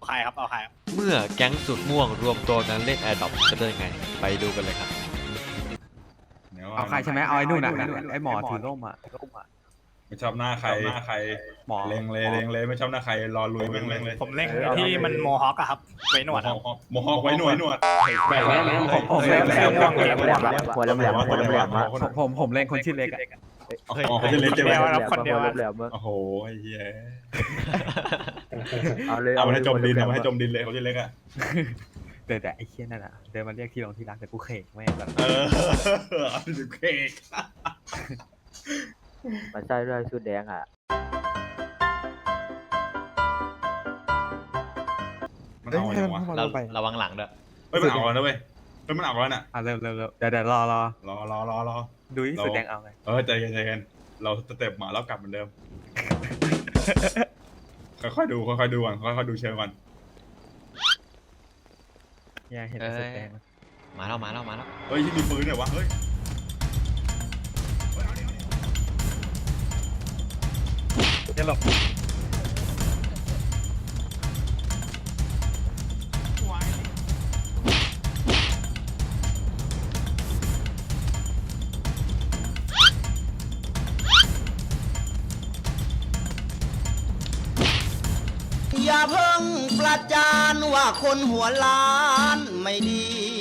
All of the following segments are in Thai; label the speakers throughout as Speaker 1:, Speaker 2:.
Speaker 1: ใครครับเอาใคร
Speaker 2: เมื่อแก๊งสุดม่วงรวมตัวกันเล่นแอร์ดรอปจะเป็นยังไงไปดูกันเลยครับ
Speaker 3: เอาใครใช่ไหมเอาไอ้นู่นน่ะไอ้หมอถือร่มอ่ะ
Speaker 4: ไม่ชอบหน้าใคร
Speaker 3: หมอ
Speaker 4: เล็งเลยไม่ชอบหน้าใครรอลุยแม่งเลย
Speaker 1: ผมเล่งที่มันโมฮอคอะครับไว้หนวดครับ
Speaker 4: โมฮอกไว้หนวด
Speaker 3: แบบนี้ผมเล่น
Speaker 5: หัวแหลมหัวแหลม
Speaker 3: ผมเล่นคนชื่อเล็กอ่ะ
Speaker 4: อ๋อเขาจะเล่นใช่ไหม
Speaker 1: คนเดียว
Speaker 4: โอ้โหไอ้เหี้ย
Speaker 5: เอาเลย
Speaker 4: เอามาให้จมดินเอามาให้จมดินเลยเขาจะเล็กอ่ะ
Speaker 3: แต่ไอ้เคี้ยนั่นอ่ะเดินมาเรียกที่ลงที่รักแต่กูเขกแม่งแบบ
Speaker 4: เอาดูเค้ก
Speaker 5: มาใส่ด้วยชุดแดงอ่ะ
Speaker 4: มันเอาอะไรวะ
Speaker 2: ระวังหลังด้วย
Speaker 4: มันเอาแล้วเว้ยมันเอาแล้วน่ะ
Speaker 3: เริ่มเดี๋ยวรอ
Speaker 4: รอ
Speaker 3: ดูที่สุดแดงเอาไง
Speaker 4: ใจเย็นเราสเต็ปมาแล้วกลับเหมือนเดิมค่อยๆดูก่อนค่อยๆดูเชิงก่อน
Speaker 3: เนี่ยเห็นสุดแดง
Speaker 2: มาแล้ว
Speaker 4: เฮ้ยมีปืนเหรอวะเฮ้ย
Speaker 3: เนี่ยหลบ
Speaker 6: อย่าเพิ่งประจานว่าคนหัวล้านไม่ดี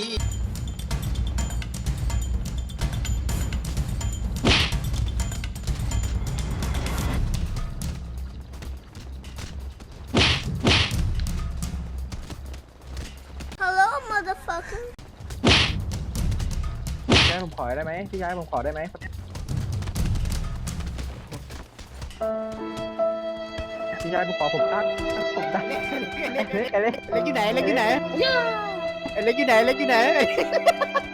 Speaker 7: Hello, motherfucker.
Speaker 5: พี่ชายผมขอได้ไหมพี่ชายผมขอได้ไหมพี่ชายผมขอผมตั้งเล็กอยู่ไหนเล็กอยู่ไหนเล็กอยู่ไหน